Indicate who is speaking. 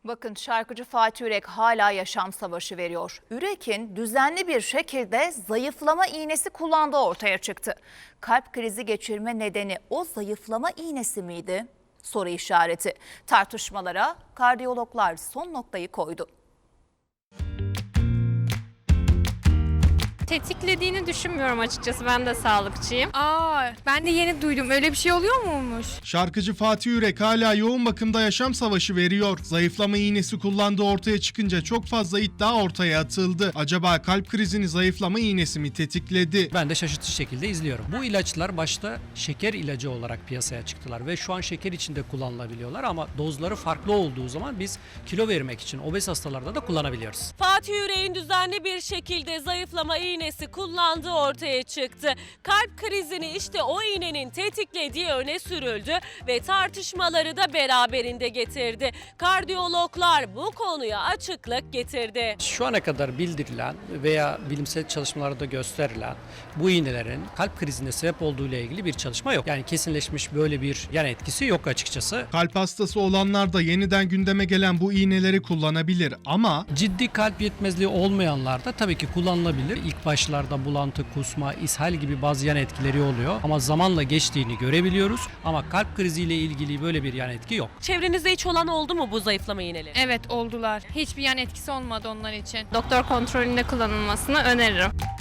Speaker 1: Bakın şarkıcı Fatih Yürek hala yaşam savaşı veriyor. Yürek'in düzenli bir şekilde zayıflama iğnesi kullandığı ortaya çıktı. Kalp krizi geçirme nedeni o zayıflama iğnesi miydi? Soru işareti. Tartışmalara kardiyologlar son noktayı koydu.
Speaker 2: Tetiklediğini düşünmüyorum açıkçası. Ben de sağlıkçıyım.
Speaker 3: Ben de yeni duydum. Öyle bir şey oluyor muymuş?
Speaker 4: Şarkıcı Fatih Yürek hala yoğun bakımda yaşam savaşı veriyor. Zayıflama iğnesi kullandığı ortaya çıkınca çok fazla iddia ortaya atıldı. Acaba kalp krizini zayıflama iğnesi mi tetikledi?
Speaker 5: Ben de şaşırtıcı şekilde izliyorum. Bu ilaçlar başta şeker ilacı olarak piyasaya çıktılar ve şu an şeker içinde kullanılabiliyorlar ama dozları farklı olduğu zaman biz kilo vermek için obez hastalarda da kullanabiliyoruz.
Speaker 6: Fatih Yürek'in düzenli bir şekilde zayıflama iğnesi kullandığı ortaya çıktı. Kalp krizini işte o iğnenin tetiklediği öne sürüldü ve tartışmaları da beraberinde getirdi. Kardiyologlar bu konuya açıklık getirdi.
Speaker 5: Şu ana kadar bildirilen veya bilimsel çalışmalarda gösterilen bu iğnelerin kalp krizine sebep olduğu ile ilgili bir çalışma yok. Yani kesinleşmiş böyle bir yan etkisi yok açıkçası.
Speaker 4: Kalp hastası olanlar da yeniden gündeme gelen bu iğneleri kullanabilir ama
Speaker 5: Ciddi kalp yetmezliği olmayanlar da tabii ki kullanılabilir. İlk başlarda bulantı, kusma, ishal gibi bazı yan etkileri oluyor ama zamanla geçtiğini görebiliyoruz. Ama kalp kriziyle ilgili böyle bir yan etki yok.
Speaker 6: Çevrenizde hiç olan oldu mu bu zayıflama iğneleri?
Speaker 3: Evet, oldular. Hiçbir yan etkisi olmadı onlar için.
Speaker 2: Doktor kontrolünde kullanılmasını öneririm.